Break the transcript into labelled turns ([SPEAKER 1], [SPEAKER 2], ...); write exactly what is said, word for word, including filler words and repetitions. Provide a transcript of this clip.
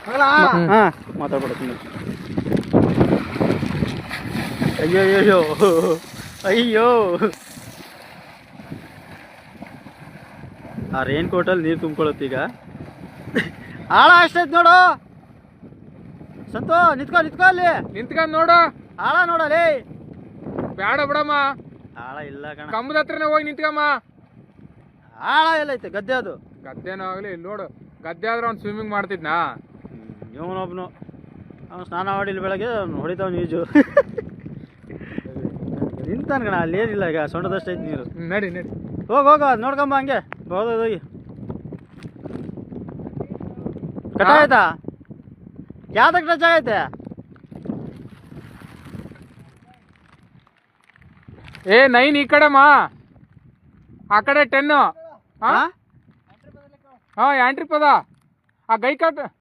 [SPEAKER 1] ಹಾ ಮಾತಾಡ್ಬಿಡ್ತೀನಿ. ಅಯ್ಯೋ ಅಯ್ಯೋ ಅಯ್ಯೋ ಆ ರೇನ್ ಕೋಟಲ್ಲಿ ನೀರು ತುಂಬ್ಕೊಳತ್ತೆ ಈಗ. ಆಳ ಅಷ್ಟೈತ್ ನೋಡು ಸಂತು, ನಿಂತ್ಕೊ ನಿಂತ್ಕೊ ಅಲ್ಲಿ
[SPEAKER 2] ನಿಂತ್ಕೊಂಡ್ ನೋಡು.
[SPEAKER 1] ಆಳ ನೋಡಲಿ.
[SPEAKER 2] ಬೇಡ ಬಿಡಮ್ಮ,
[SPEAKER 1] ಆಳ ಇಲ್ಲ ಕಣ.
[SPEAKER 2] ಕಂಬದ ಹತ್ರನೇ ಹೋಗಿ ನಿಂತ್ಕಮ್ಮ.
[SPEAKER 1] ಆಳ ಎಲ್ಲೈತೆ ಗದ್ದೆ ಅದು.
[SPEAKER 2] ಗದ್ದೆನೋ ಆಗ್ಲಿ ಇಲ್ಲಿ ನೋಡು, ಗದ್ದೆ ಆದ್ರೆ ಅವ್ನು ಸ್ವಿಮ್ಮಿಂಗ್ ಮಾಡ್ತಿದ್ನಾ?
[SPEAKER 1] ಇವನೊಬ್ನು ಅವ್ನು ಸ್ನಾನ ಮಾಡಿಲ್ಲ ಬೆಳಗ್ಗೆ, ಅವ್ನು ಹೊಡಿತಾವ್ ಈಜು. ನಿಂತಾನ ಕಣ, ಅಲ್ಲಿ ಏನಿಲ್ಲ ಈಗ, ಸೊಂಡದಷ್ಟೈತೆ ನೀರು.
[SPEAKER 2] ನಡಿ ನಡಿ
[SPEAKER 1] ಹೋಗಿ ಹೋಗ ನೋಡ್ಕೊಂಬ ಹಂಗೆ ಹೋಗಿ. ಕಟ ಆಯ್ತಾ? ಯಾವ್ದಕ್ಕೆ ಟಚ್ ಆಗೈತೆ?
[SPEAKER 2] ಏ ನೈನ್ ಈ ಕಡೆ ಮಾ, ಆ ಕಡೆ ಟೆನ್. ಹಾ ಹಾ ಯಾಂಟ್ರಿ ಪದ ಆ ಗೈ ಕಟ್